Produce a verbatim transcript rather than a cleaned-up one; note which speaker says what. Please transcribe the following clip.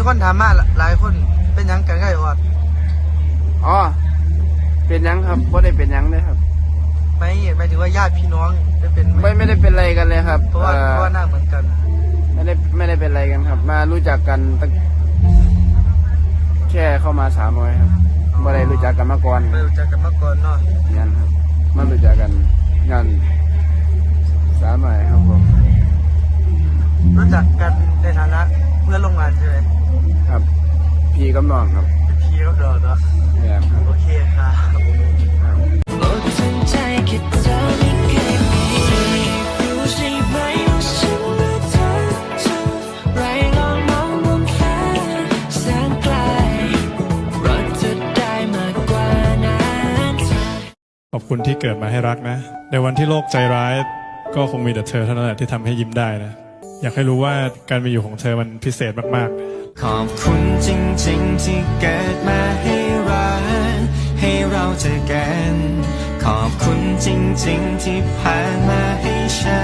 Speaker 1: คนถามมาหลายคนเป็นยังกันไงออด
Speaker 2: อ๋อเป็นยังครับไม่ได้เป็นยังเลยครับ
Speaker 1: ไม่หมายถึงว่าญาติพี่น้องได้เป็น
Speaker 2: ไม่ไม่ได้เป็นอะไรกันเลยครับ
Speaker 1: เพราะว่าเพราะว่าหน้าเหมือนกัน
Speaker 2: ไม่ได้ไม่ได้เป็นอะไรกันครับมารู้จักกันตั้งแค่เข้ามาสามร้อยครับไม่ได้รู้จักกันมาก่อน
Speaker 1: ไม่รู้จักกันมาก่อนเนาะ
Speaker 2: งานครับมารู้จักกันงานสามร้อยครับผม
Speaker 1: รู้จักกันในฐานะเพื่อนร่วมงานใช่ไหม
Speaker 2: ครับพี่กับน้องครับ
Speaker 1: เป็นพี่กับน้องเนาะโอเคครับ
Speaker 3: ขอบคุณที่เกิดมาให้รักนะในวันที่โลกใจร้ายก็คงมีแต่เธอเท่านั้นแหละที่ทำให้ยิ้มได้นะอยากให้รู้ว่าการมีอยู่ของเธอมันพิเศษมาก
Speaker 4: ๆขอบคุณจริงๆที่เกิดมาให้รักให้เราเจอกันขอบคุณจริงๆที่ผ่านมาให้ฉั